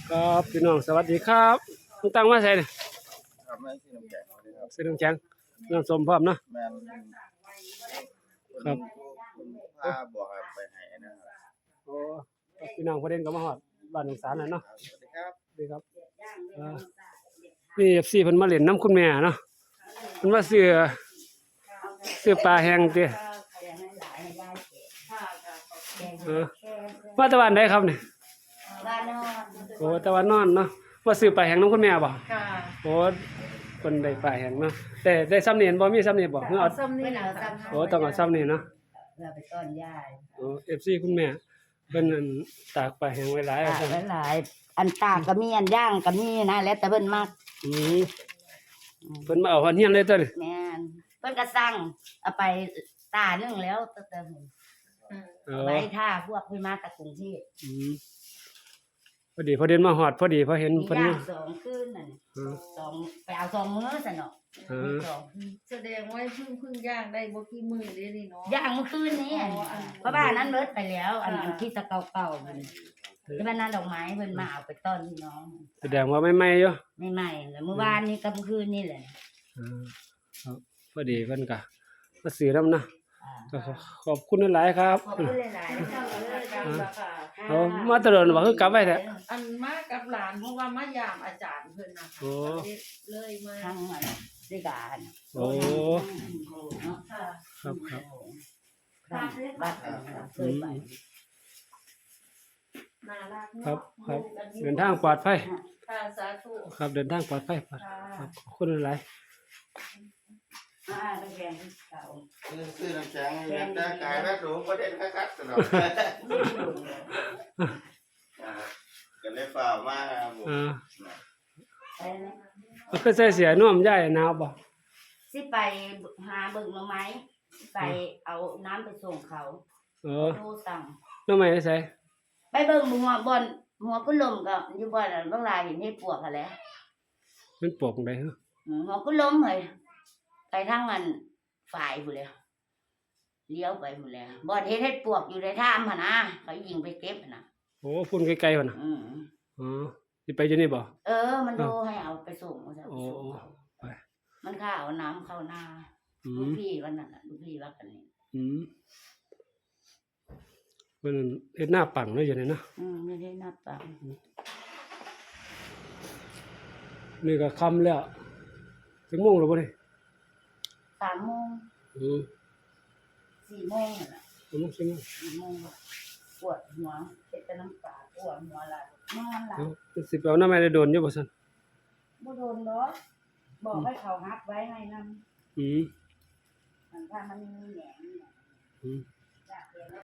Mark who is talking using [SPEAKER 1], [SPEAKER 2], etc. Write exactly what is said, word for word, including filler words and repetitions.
[SPEAKER 1] ครับพี่น้องสวัสดีครับคุณตั้งมาใส่เนี่ย
[SPEAKER 2] ครับไม่ใช่น้ำแข็งเลยครับ
[SPEAKER 1] ใส่น้ำแข็งน้ำส้มพร้อมเนาะ
[SPEAKER 2] แม่น
[SPEAKER 1] ครับ
[SPEAKER 2] คุณผ้าบอกให้ไปให้นะครับ
[SPEAKER 1] โอ้พี่น้องประเด็นก็มาฮอดบ้านหนองสารแล้วเนาะ
[SPEAKER 2] สวัสดีครับ
[SPEAKER 1] ดีครับอ่านี่ เอฟ ซี เพิ่นมาเล่นน้ำคุณแม่เนาะเพิ่นมาซื้อซื้อปลาแห้งติเออมาตะวันใดครับนี่
[SPEAKER 3] บ้านนอน
[SPEAKER 1] โอ้ตะวันนอนเนาะว่าซื้อปลาแห้งน้ำคุณแม่บ่
[SPEAKER 3] ค่ะ
[SPEAKER 1] โอ้เพิ่นได้ปลาแห้งเนาะแต่ได้ซ้ำนี่เห็นบ่มีซ้ำนี่บ่เฮาเอา
[SPEAKER 3] ซ้ำนี่เอาซ้ำ
[SPEAKER 1] โอ้ต้องเอาซ้ำนี่เนาะ
[SPEAKER 3] เราไปต้อนยาย
[SPEAKER 1] โอ้ เอฟ ซี คุณแม่เพิ่นอั่นตากปลาแห้งไว้หลายว่าซั่น
[SPEAKER 3] หลายๆอันตากก็มีอันย่างก็มีนะแล้วแต่เพิ่นมัก
[SPEAKER 1] อืมเพิ่นมาเอาฮอดเฮียนเลยตัวนี้
[SPEAKER 3] แม่นเพิ่นก็สั่งเอาไปตานึงแล้วแต่แต่เพิ่น
[SPEAKER 1] เอ
[SPEAKER 3] เอา
[SPEAKER 1] อ
[SPEAKER 3] ไว้ถ้าพวกเพิ่นมาจากกรุงเทพ
[SPEAKER 1] อืมพอดีพอเดินมาฮอดพอดีพอเห็น
[SPEAKER 3] มี
[SPEAKER 1] เพิ่น
[SPEAKER 3] ย่า
[SPEAKER 1] มา
[SPEAKER 3] งสองคืนนั่น
[SPEAKER 1] เออ
[SPEAKER 3] สองไปเอาสองมื้อซะเนาะ
[SPEAKER 1] เออ
[SPEAKER 3] สองคืน
[SPEAKER 4] แสดงว่าเพิ่งเพิ่งย่างได้บ่กี่มื้อเด้นี่เนาะ
[SPEAKER 3] ย่างเมื่อคืนนี้
[SPEAKER 4] อ๋ออัน
[SPEAKER 3] เพราะบ้านนั้นเบิดไปแล้ว อัน
[SPEAKER 4] ค่ะ
[SPEAKER 3] อันที่ตะเก่าๆมันที่บ้านนั้นดอกไม้เพิ่นมาเอาไปต้อนพี่น้อง
[SPEAKER 1] แสดงว่าไม่ไหม้อยู่
[SPEAKER 3] ไม่ใหม่แล้วเมื่อวานนี้กับเมื่อคืนนี่แหละ
[SPEAKER 1] เออครับพอดีเพิ่นก็มาซื้อนำนะ
[SPEAKER 3] อ่า
[SPEAKER 1] ก็ขอขอบคุณหลายๆครับ
[SPEAKER 3] ขอบคุณหลายๆนะคะ
[SPEAKER 4] ค่ะ
[SPEAKER 1] เอามาตะเดินว่าคือกลับไว้แท้
[SPEAKER 4] อันมากับหลานเพราะว่ามายามอาจารย์เพิ่นน่ะ
[SPEAKER 1] โอ้
[SPEAKER 4] ค่ะเลยมา
[SPEAKER 3] ทั้งอันด้วยกัน
[SPEAKER 1] โอ้
[SPEAKER 4] ค่ะ
[SPEAKER 1] ครับครับ
[SPEAKER 3] ทั้งวัดอันนั้นเคยไป
[SPEAKER 4] น่ารัก
[SPEAKER 1] ครั
[SPEAKER 4] เนาะ
[SPEAKER 1] บครับเดินทางปลอดภัย
[SPEAKER 4] ค่ะสาธุ
[SPEAKER 1] ครับเดินทางปลอดภัยครับ
[SPEAKER 4] ค่ะ
[SPEAKER 1] ขอบคุณหลาย
[SPEAKER 3] อ่าเป็นแกงเก่า
[SPEAKER 2] ซื้อซื้อน้ำแข็งให้แต่กายแม่สูงประเด็นคักๆสนองก็เลยฝ่ามาครับผม
[SPEAKER 1] ๆอ่า
[SPEAKER 3] ไปนะ
[SPEAKER 1] มันก็ใส่เสียน่วมใหญ่หนาวบ่
[SPEAKER 3] สิไปหาเบิ่งหน่อไม้ไปเอาน้ำไปส่งเขา
[SPEAKER 1] เออ
[SPEAKER 3] โทรสั่ง
[SPEAKER 1] น้ำไม้ใส่
[SPEAKER 3] ไปเบิ่งหัวบอนหัวกุลมก็อยู่บ่อนนั้นบางรายเห็นเฮ็ดปวกกันแหล้ว
[SPEAKER 1] มันปลวกได้เหรอ
[SPEAKER 3] หัวกุลมเฮ้ยไปทางอันฝ่ายพุ่นแล้วเลี้ยวไปพุ่นแล้วบ่อนเฮ็ดเฮ็ดปวกอยู่ในถ้ำหั่นนะเขายิงไปเก็บหั่นน่ะ
[SPEAKER 1] โอ้พุ่นไกลๆพุ่นน่ะ
[SPEAKER 3] อืม
[SPEAKER 1] อ๋อสิไปอยู่นี่บ่
[SPEAKER 3] เออ มันโทรให้เอาไปส่งเอาไป
[SPEAKER 1] โอ้
[SPEAKER 3] ส่งเขา
[SPEAKER 1] ไป
[SPEAKER 3] มันข้าเอาน้ำเข้าหน้า
[SPEAKER 1] อื
[SPEAKER 3] ลูก
[SPEAKER 1] ม
[SPEAKER 3] พี่วันนั้นน่ะลูกพี่ว่ากันนี่
[SPEAKER 1] อืมเพิ่นเฮ็ดหน้าปังเลยอยู่นี่เนาะ
[SPEAKER 3] อืมไม่ได้นับตังค์
[SPEAKER 1] นี่ก็ค่ำแล้วถึงโมงแล้วบ่นี่
[SPEAKER 3] สามโมง
[SPEAKER 1] อืม
[SPEAKER 3] สี่โมงนั่นน่ะ
[SPEAKER 1] สามโมงสี่โมง
[SPEAKER 3] สี่โมงปวดหัวเจ็บแต่น้ำตาปวดหัวไหลนอนหลับ
[SPEAKER 1] เอ้าสิไปเอาน้ำไม้ได้โดนอยู่บ่ซั่น
[SPEAKER 3] บ่โดนเนาะบอกให้เขาฮับไว้ให้นำ
[SPEAKER 1] อืม
[SPEAKER 3] มันถ้ามันมีแหนงเนี่ย
[SPEAKER 1] อืม